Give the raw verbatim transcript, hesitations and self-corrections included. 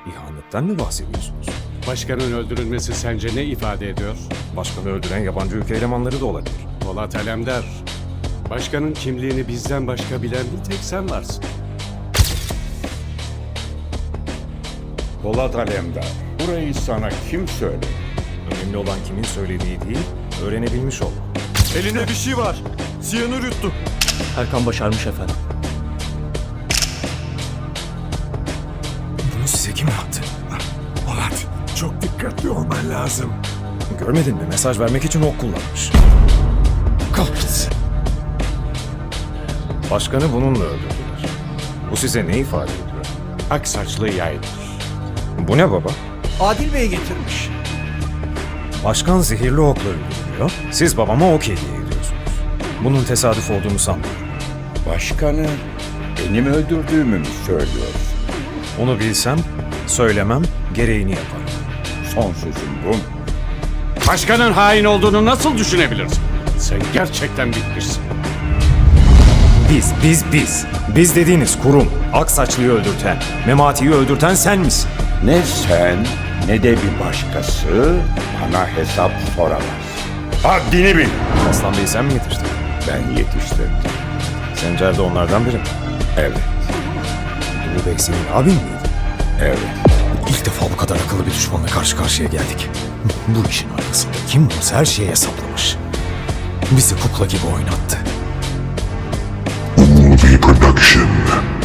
İhanetten mi bahsediyorsunuz? Başkanın öldürülmesi sence ne ifade ediyor? Başkanı öldüren yabancı ülke elemanları da olabilir. Polat Alemdar, başkanın kimliğini bizden başka bilen bir tek sen varsın. Polat Alemdar, burayı sana kim söyledi? Önemli olan kimin söylediği değil, öğrenebilmiş ol. Elinde bir şey var. Siyanür yuttu. Erkan başarmış efendim. Bunu size kim yaptı? Polat, çok dikkatli olman lazım. Görmedin mi? Mesaj vermek için ok kullanmış. Kahretsin. Başkanı bununla öldürdüler. Bu size ne ifade ediyor? Aksaçlı yaydır. Bu ne baba? Adil Bey getirmiş. Başkan zehirli okla öldürülüyor. Siz babama ok hediye ediyorsunuz. Bunun tesadüf olduğunu sanmıyorum. Başkanı benim öldürdüğümü mü söylüyorsun? Onu bilsem, söylemem, gereğini yaparım. Son sözüm bu. Başkanın hain olduğunu nasıl düşünebilirsin? Sen gerçekten bitmişsin. Biz, biz, biz. Biz dediğiniz kurum. Aksaçlı'yı öldürten, Memati'yi öldürten sen misin? Ne sen ne de bir başkası bana hesap soramaz. Haddini bil. Aslan Bey'i sen mi yetiştirdin? Ben yetiştirdim. Sencer de onlardan biri mi? Evet, Ulu Bey senin abin miydi? evet. İlk defa bu kadar akıllı bir düşmanla karşı karşıya geldik. Bu işin arkasında kim varsa her şeyi hesaplamış. Bizi kukla gibi oynattı. Movie Production.